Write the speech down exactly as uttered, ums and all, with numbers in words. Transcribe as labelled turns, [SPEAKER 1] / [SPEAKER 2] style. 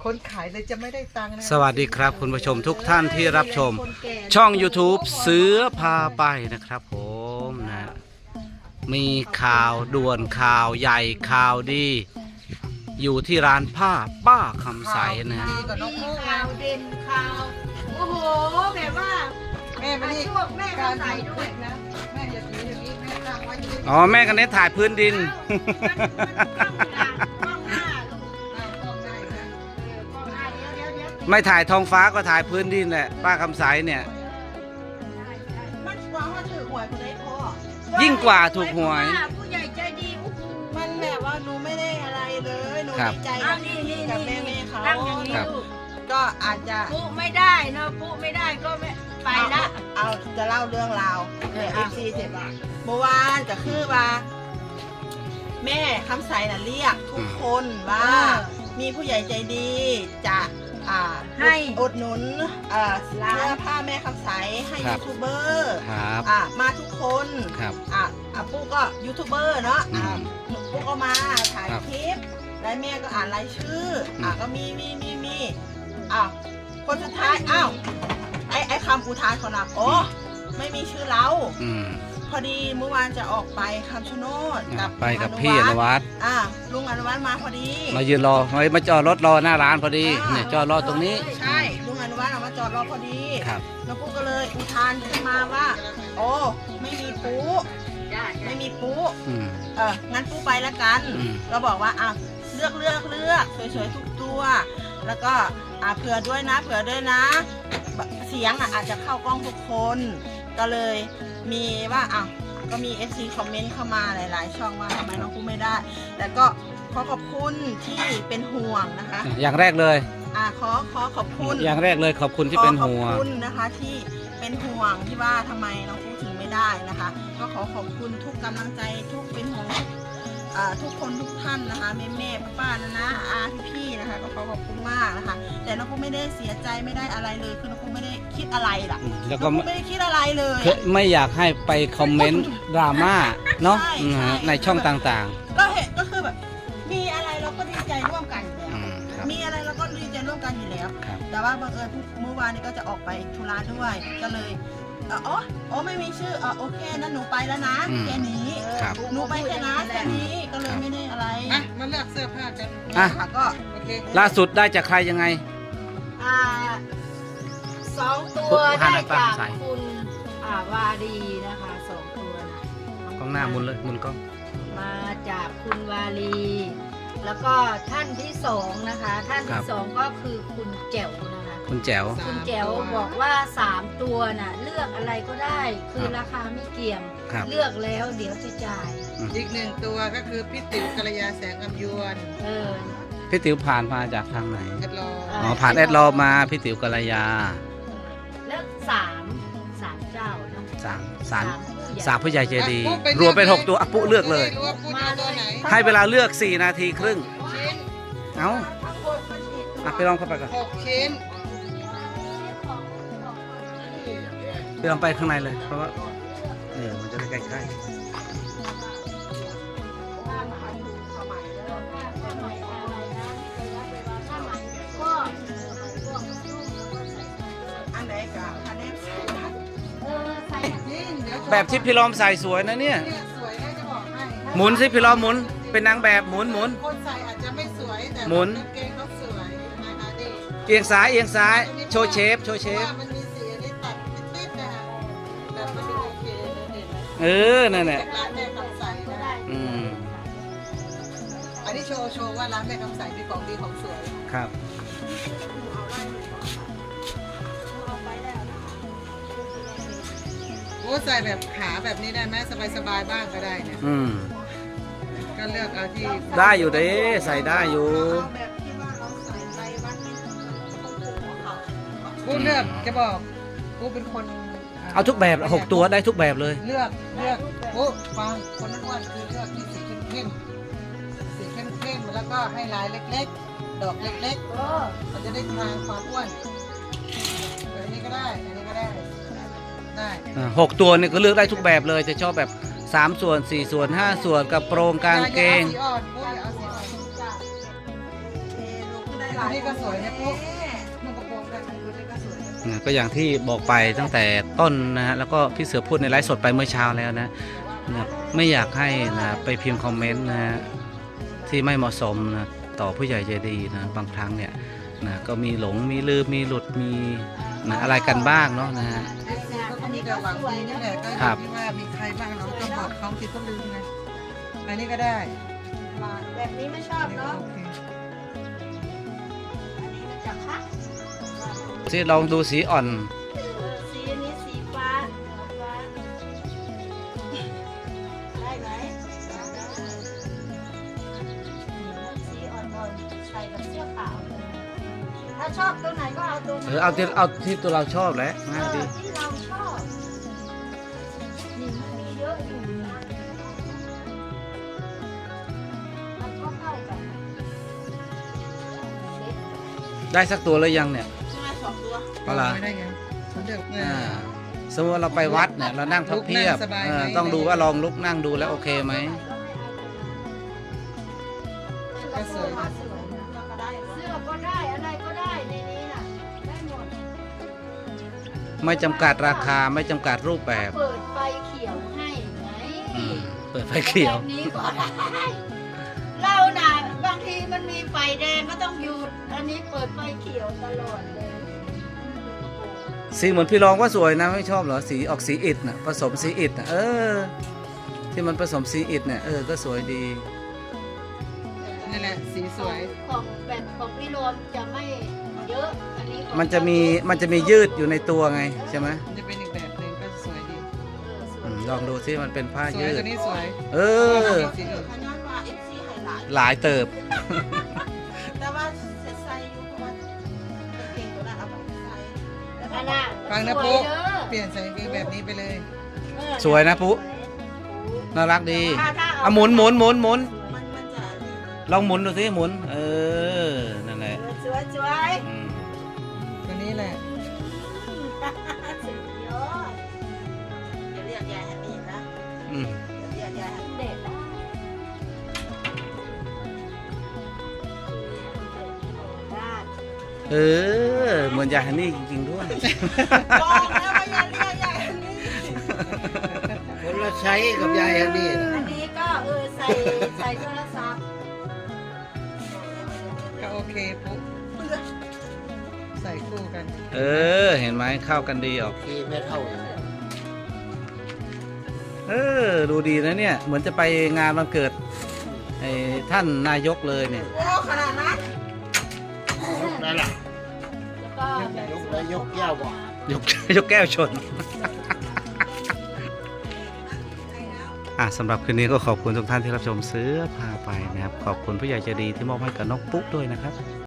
[SPEAKER 1] คนขายเลยจะไม่ได้ตังค์นะ
[SPEAKER 2] สวัสดีครับคุณผู้ชมทุกท่านที่รับชมช่อง YouTube เสือพาไปนะครับผมนะมีข่าวด่วนข่าวใหญ่ข่าวดี อยู่ที่ร้านผ้าป้าคำใสนะ
[SPEAKER 1] ดีกว่าน้องโม
[SPEAKER 3] ข่าวเด่นข่าวโอ้โหแบบว่า
[SPEAKER 1] แม่ไม่ได้
[SPEAKER 3] ช่วงแม่
[SPEAKER 1] กา
[SPEAKER 3] ก็
[SPEAKER 1] ร
[SPEAKER 3] ใส่ด้วย
[SPEAKER 1] นะแม่อย่าถืออย่างนี้แม่ตั้งไว้อย่างนี้
[SPEAKER 2] อ๋อแม่กันเน้นถ่ายพื้นดิน
[SPEAKER 3] มันมันต้องหน้าลูก
[SPEAKER 1] อ้าวต้องได้นะ
[SPEAKER 3] เออต้องหน้าเดี๋ยวเดี๋ยวเดี๋ยว
[SPEAKER 2] ไม่ถ่ายท้องฟ้าก็ถ่ายพื้นดินแหละป้าคำใสเนี่ย
[SPEAKER 1] มันหวังว่าถือหวยคนได้พ่อ
[SPEAKER 2] ยิ่งกว่าถูกหวย
[SPEAKER 3] ผู้ใหญ่ใจดีโอ้โห
[SPEAKER 1] มันแบบว่าหนูไม่ได้อะไรเลยหนู
[SPEAKER 2] ครับ
[SPEAKER 1] ดีใจ
[SPEAKER 3] อ้า
[SPEAKER 1] กั
[SPEAKER 3] ว
[SPEAKER 1] บ
[SPEAKER 3] นี่นี่
[SPEAKER 1] กับ
[SPEAKER 3] นี่
[SPEAKER 1] แม่แม่เขา
[SPEAKER 3] ตั้งอย่างนี้
[SPEAKER 2] ครับ
[SPEAKER 3] ลูก
[SPEAKER 1] ก็อาจจะ
[SPEAKER 3] ปุ๊ไม่ได้เนาะปุ๊ไม่ได้ก็ไม่ไปละ
[SPEAKER 1] เอาจะเล่าเรื่องราวเออฟซีเสร็จละเมื่อวานก็คือว่า แม่คำใสน่ะเรียกทุกคนว่า มีผู้ใหญ่ใจดีจะอ่า
[SPEAKER 3] ให้
[SPEAKER 1] อุดหนุนเอ่อเสื้อผ้าแม่คำใสให้
[SPEAKER 2] ครั
[SPEAKER 1] ยู
[SPEAKER 2] บ
[SPEAKER 1] ทูบเบอร์
[SPEAKER 2] ครับ
[SPEAKER 1] อ่ามาทุกคน
[SPEAKER 2] ครับ
[SPEAKER 1] อ่าอ่าปุ๊กก็ยูทูบเบอร์เนาะอ่า
[SPEAKER 2] อืม
[SPEAKER 1] ปุ๊กก็มาถ่าย
[SPEAKER 2] ครับ
[SPEAKER 1] คลิปแล้วแม่ก็อ่านรายชื่ออ่า
[SPEAKER 2] อืม
[SPEAKER 1] ก็มีมีมีมีอ้าวคนสุดท้ายอ้าวไอไอคำอุทานของเราโอ้ไม่มีชื่อเรา
[SPEAKER 2] อืม
[SPEAKER 1] พอดีเมื่อวานจะออกไปคำชะโนดกับ
[SPEAKER 2] ไปกับ
[SPEAKER 1] ลุง
[SPEAKER 2] พี่อนุวัฒน์
[SPEAKER 1] อ่าลุงอนุวัฒน์มาพอดี
[SPEAKER 2] มายืนรอเฮ้ยมาจอดรถรอหน้าร้านพอดีเนี่ยจอดรอตรงนี้
[SPEAKER 1] ใช่ลุงอนุวัฒน์เอามาจอดรอพอดี
[SPEAKER 2] ครับ
[SPEAKER 1] แล้วปุ๊กก็เลยอุทานขึ้นมาว่า โอ้ไม่มีปู
[SPEAKER 3] ได้ได้
[SPEAKER 1] ไม่มีปู
[SPEAKER 2] อืม
[SPEAKER 1] เอองั้นปูไปแล้วกัน
[SPEAKER 2] อืม
[SPEAKER 1] เราบอกว่าอ่ะเลือกเลือกเลือกสวยๆทุกตัว แล้วก็อ่ะเผื่อด้วยนะ เผื่อด้วยนะ เสียงอ่ะอาจจะเข้ากล้องทุกคน ก็เลยมีว่าอ่ะก็มี เอฟ ซี คอมเมนต์เข้ามาหลายๆ ช่องว่าทำไมน้องปูไม่ได้ แต่ก็ขอขอบคุณที่เป็นห่วงนะคะ
[SPEAKER 2] อย่างแรกเลย
[SPEAKER 1] อ่ะขอขอขอบคุณ
[SPEAKER 2] อย่างแรกเลยขอบคุณที่เป็นห่ว
[SPEAKER 1] ขอข
[SPEAKER 2] ง
[SPEAKER 1] อบคุณนะคะที่เป็นห่วงที่ว่าทำไมน้องปูถึงไม่ได้นะคะ ก็ขอขอบคุณทุกกำลังใจทุกเป็นห่วงทุกอ่าทุกคนทุกท่านนะคะแม่แม่ป้าๆนะนะอาพี่ๆนะคะก็ขอขอบคุณมากนะคะ แต่น้องปูไม่ได้เสียใจไม่ได้อะไรเลยคือน้องปูไม่ได้คิดอะไรล่ะ
[SPEAKER 2] แล้ว
[SPEAKER 1] น้
[SPEAKER 2] ก็
[SPEAKER 1] องปูไม่ได้คิดอะไรเลย
[SPEAKER 2] คือไม่อยากให้ไปคอมเมนต์ดราม่าเนาะ
[SPEAKER 1] ใช่
[SPEAKER 2] อืม
[SPEAKER 1] ใช่
[SPEAKER 2] ในช่องต่าง
[SPEAKER 1] ก็เห็นก็คือแบบมีอะไรเราก็ดีใจร่วมกันอยู่
[SPEAKER 2] ๆ
[SPEAKER 1] แล้ว
[SPEAKER 2] อืมครับ
[SPEAKER 1] มีอะไรเราก็ดีใจร่วมกันอยู่แล้ว
[SPEAKER 2] ครับ
[SPEAKER 1] แต่ว่าบังเอิญเมื่อวานนี้ก็จะออกไปธุระด้วยก็เลยเอออ๋ออ๋อไม่มีชื่อเออโอเคนั้นหนูไปแล้วนะ
[SPEAKER 2] อืม
[SPEAKER 1] แค่นี้เออ
[SPEAKER 2] ครับ
[SPEAKER 1] หนูไปแค่นั้นแค่นี้ก็เลยไม่ได้อะไร
[SPEAKER 4] อ่ะมาเลือกเสื้อผ้ากัน
[SPEAKER 2] อ่ะ
[SPEAKER 1] ค่ะก็
[SPEAKER 4] โอเค
[SPEAKER 2] ล่าสุดได้จากใครยังไง
[SPEAKER 3] อ่าสองตัว
[SPEAKER 2] ปุ๊บ
[SPEAKER 3] ได้
[SPEAKER 2] หันไป
[SPEAKER 3] จาก
[SPEAKER 2] ใส่
[SPEAKER 3] คุณอ่าวารีนะคะสองตัวนะ
[SPEAKER 2] กล้องหน้ามุนเลยมุนกล้อง
[SPEAKER 3] มาจากคุณวารี แล้วก็ท่านที่สองนะคะ ท่านที่สองก็คือคุณแจ๋วนะคะ
[SPEAKER 2] คุณแจ๋ว
[SPEAKER 3] คุณแจ๋วบอกว่าสามตัวน่ะ เลือกอะไรก็ได้ คือราคาไม่เกี่ยง
[SPEAKER 2] ครับ
[SPEAKER 3] เลือกแล้วเดี๋ยวจะจ่าย
[SPEAKER 4] อีกหนึ่งตัวก็คือพี่ติ๋วกัลยาแสงอำยวน
[SPEAKER 3] เออ
[SPEAKER 2] พี่ติ๋วผ่านมาจากทางไหน
[SPEAKER 4] แอดรอ
[SPEAKER 2] อ๋อผ่านแอดรอมาพี่ติ๋วกัลยา
[SPEAKER 3] แล้วสามสามเจ้าเนาะ
[SPEAKER 2] สามสาม
[SPEAKER 3] ผู้ใหญ่
[SPEAKER 2] สามผู้ใหญ่ใจดี
[SPEAKER 4] อ่ะปุ๊บไป
[SPEAKER 2] รวมเป็น
[SPEAKER 4] ลื
[SPEAKER 2] หกตัวอ่ะปุ๊เลือกเลย
[SPEAKER 4] จะได้รู้ว่าปุ๊จะเอาตัวไหน
[SPEAKER 2] ให้เวลาเลือกสี่นาทีครึ่ง
[SPEAKER 4] ชิ้น
[SPEAKER 2] เอ้าอ่ะไปลองเข้าไปก่อน
[SPEAKER 4] หกชิ้น
[SPEAKER 2] ไปลองไปข้างในเลยเพราะว่าเออมันจะได้ใกล้
[SPEAKER 1] อันไหนกับอันนี้
[SPEAKER 3] เออใส่
[SPEAKER 4] ยิ่งเดี๋ยว
[SPEAKER 2] ๆแบบที่พี่ล้อมใส่สวยนะเนี่ย
[SPEAKER 4] เนี่ยสวยนะจะบอกให้
[SPEAKER 2] หมุนสิพี่ล้อมหมุนเป็นนางแบบหมุนหมุน
[SPEAKER 4] คนใส่อาจจะไม่สวยแต่
[SPEAKER 2] หมุน
[SPEAKER 4] กางเกงเขาสวยนะคะดี
[SPEAKER 2] เอียงซ้ายเอียงซ้ายโชว์เชฟโชว์เชฟ
[SPEAKER 4] พราะว่ามันมีสีอันนี้ตัดติดๆนะคะแต่มันดูโอเคเลยเด่น
[SPEAKER 2] เออนั่นแหละ
[SPEAKER 4] ร้านแม่คำใสนะ
[SPEAKER 2] อืม
[SPEAKER 4] อันนี้โชว์โชว์ว่าร้านแม่คำใสมีของดีของสวย
[SPEAKER 2] ครับ
[SPEAKER 4] โอ้ใส่แบบขาแบบนี้ได้ไหมสบายๆบ้างก็ได้เนี่ย
[SPEAKER 2] อืม
[SPEAKER 4] ก็เลือกเอาที่
[SPEAKER 2] ได้อยู่เด้ใส่ได้อยู่
[SPEAKER 1] เอาแบบที่ว่าเราใส่ไปวัดนี้ของผมของเขา
[SPEAKER 4] กูเลือกจะบอกกูเป็นคน
[SPEAKER 2] เอาทุกแบบหกตัวได้ทุกแบบเลย
[SPEAKER 4] เลือกเลือกกูฟังคนนั้นว่าคือเลือกที่สีเข้มๆสีเข้มๆแล้วก็ให้ลายเล็กๆ ดอกเล็ก
[SPEAKER 3] เออ
[SPEAKER 4] ๆ มันจะได้ทางความอ้วนแบบนี้ก็ได้อันนี้ก็ได้ได้
[SPEAKER 2] อ่าหกตัวเนี่ยก็เลือกได้ทุกแบบเลย จะชอบแบบสามส่วนสี่ส่วนห้าส่วนกระโปรงกางเกง
[SPEAKER 4] อย่าเอาสีอ่อนกูอย่าเอาสีอ่อน
[SPEAKER 1] เทลูกได้ห
[SPEAKER 4] ตัวนี้ก็สวยนะปุ๊บนุ่งกระโปรงแบบตัวนี้ก็สวยนะ
[SPEAKER 2] นะก็อย่างที่บอกไปตั้งแต่ต้นนะฮะแล้วก็พี่เสือพูดในไลฟ์สดไปเมื่อเช้าแล้วนะนะไม่อยากให้นะไปพิมพ์คอมเมนต์นะฮะที่ไม่เหมาะสมนะต่อผู้ใหญ่ใจดีนะบางครั้งเนี่ยนะก็มีหลงมีลืมมีหลุดมีนะอะไรกันบ้างเนาะนะฮะ
[SPEAKER 4] อันนี้ก็หวังดีนี่แหละก็อ
[SPEAKER 2] ครั
[SPEAKER 4] ยู่
[SPEAKER 2] บ
[SPEAKER 4] ที่ว่ามีใครบ้างเราต้องบอกเขาคิดต้องลืมไงอันนี้ก็ได้
[SPEAKER 3] แบบนี้ไม่ชอ
[SPEAKER 4] อั
[SPEAKER 3] บ
[SPEAKER 4] นนี้ก็
[SPEAKER 3] เนาะ
[SPEAKER 4] โอเค
[SPEAKER 3] อันนี้มันจะคัด
[SPEAKER 2] ที่ลองดูสีอ่อน
[SPEAKER 3] สีอันนี้สีฟ้าฟ้าได้ไหมสีอ่อนๆใส่กับเสื้อขาวเลยถ้าชอบตัวไหนก็เอาตัวนั้น
[SPEAKER 2] เออเอาที่เอาที่ตัวเราชอบแหละ
[SPEAKER 3] เอ
[SPEAKER 2] ง่าย
[SPEAKER 3] อ
[SPEAKER 2] ดี
[SPEAKER 3] ที่เราชอบนี่มันมีเยอะอยู่นะมันก็เข้ากันเซ็ต
[SPEAKER 2] ได้สักตัวแล้วยังเนี่ย
[SPEAKER 1] ใช่ไหมสองตัว
[SPEAKER 2] เอาล่ะ
[SPEAKER 4] ไม่ได้ไงผมเลือกเนี่ย
[SPEAKER 2] อ่าสมมติว่าเราไปวัดเนี่ยเรานั่งพับเพียบ
[SPEAKER 4] ลุกนั่งสบายไหม
[SPEAKER 2] เออต้องดูว่าลองลุกนั่งดูแล้วโอเคไหม
[SPEAKER 4] ก็สวย
[SPEAKER 3] ก็สวยนะ
[SPEAKER 1] แล้วก็ได้
[SPEAKER 3] เสื้อก็ได้อะไรก็ได้ในนี้น่ะได้หมด
[SPEAKER 2] ไม่จำกัดราคาไม่จำกัดรูปแบบ
[SPEAKER 3] เปิดไฟเขียวให้ไง
[SPEAKER 2] อืมเปิดไฟเขียว
[SPEAKER 3] แบบนี้ก็ได้เราน่ะบางทีมันมีไฟแดงก็ต้องหยุดอันนี้เปิดไฟเขียวตลอดเลย
[SPEAKER 2] สีเหมือนพี่รองว่าสวยนะไม่ชอบเหรอสีออกสีอิฐน่ะผสมสีอิฐน่ะเออ ที่มันผสมสีอิฐเนี่ยเออก็สวยดี
[SPEAKER 4] นี่แหละสีสวย
[SPEAKER 3] ของแบบของพี่รวมจะไม่เยอะอันนี้ของ
[SPEAKER 2] มันจะมีมันจะมียืดอยู่ในตัวไงใช่ไหม
[SPEAKER 4] มันจะเป็นอีกแบบหนึ่งก็สวยดี
[SPEAKER 3] เออสว
[SPEAKER 2] อื
[SPEAKER 3] ย
[SPEAKER 2] มลองดูซิมันเป็นผ้า
[SPEAKER 4] สวย
[SPEAKER 2] ยืด
[SPEAKER 4] ตัวนี้สวย
[SPEAKER 2] เออ
[SPEAKER 4] สีอื่น
[SPEAKER 1] ขนาดว่าเอฟซีไฮไลท์
[SPEAKER 2] หลายเติบ
[SPEAKER 1] แต่ว่าเซ็ตไซส์อยู่เพราะว่าเก่งตัวนั้นเอาไปใส่แล้วก็
[SPEAKER 3] อันน่ะ
[SPEAKER 4] ฟังนะ
[SPEAKER 3] สวย
[SPEAKER 4] ปุ๊
[SPEAKER 3] เด้อ
[SPEAKER 4] เปลี่ยนใส่กางเกงแบบนี้ไปเลย
[SPEAKER 3] เออ
[SPEAKER 2] สวยนะปุ๊น่ารักดี
[SPEAKER 3] ถ้าถ้าเา
[SPEAKER 2] อ่ะหมุนหมุนหมุนหมุน
[SPEAKER 1] มันมันจะนี่
[SPEAKER 2] ลองหมุนดูสิหมุน เออนั่นแหละ
[SPEAKER 3] สวยสวย
[SPEAKER 2] อืม
[SPEAKER 4] ตัวนี้แหละ
[SPEAKER 3] สุดยอด
[SPEAKER 1] อย่าเรียกยายฮันนี่นะ
[SPEAKER 2] อืม
[SPEAKER 1] อย่าเรียกยายฮันนี่
[SPEAKER 3] เด็ดนะ
[SPEAKER 2] เออเหมือนยายฮันนี่จริงๆด้วย
[SPEAKER 1] บอกแล้วว่าอย่าเรียกยายฮันนี่
[SPEAKER 5] คนละใช้กับยายอันนี้นะ
[SPEAKER 3] อันนี้ก็เออใส่ใส่โทรศัพท์
[SPEAKER 4] ก็โอเคปุ๊ใส่คู่กัน
[SPEAKER 2] เออ เห็นไหมเข้ากันดีออก
[SPEAKER 5] ที่ไม่เท่าอย่างนี้
[SPEAKER 2] เออ ดูดีนะเนี่ย เหมือนจะไปงานวันเกิดไอ้ท่านนายกเลยเนี่ย
[SPEAKER 1] โอ้ขนาดนั้น
[SPEAKER 5] ยกนั่นแหละ
[SPEAKER 3] แล้วก็แบบ
[SPEAKER 5] ยกแล้วยกแก้วบอก
[SPEAKER 2] ยกยกแก้วชน อ่ะสำหรับคืนนี้ก็ขอบคุณทุกท่านที่รับชมเสื้อพาไปนะครับ ขอบคุณผู้ใหญ่ใจดีที่มอบให้กับน้องปุ๊กด้วยนะครับ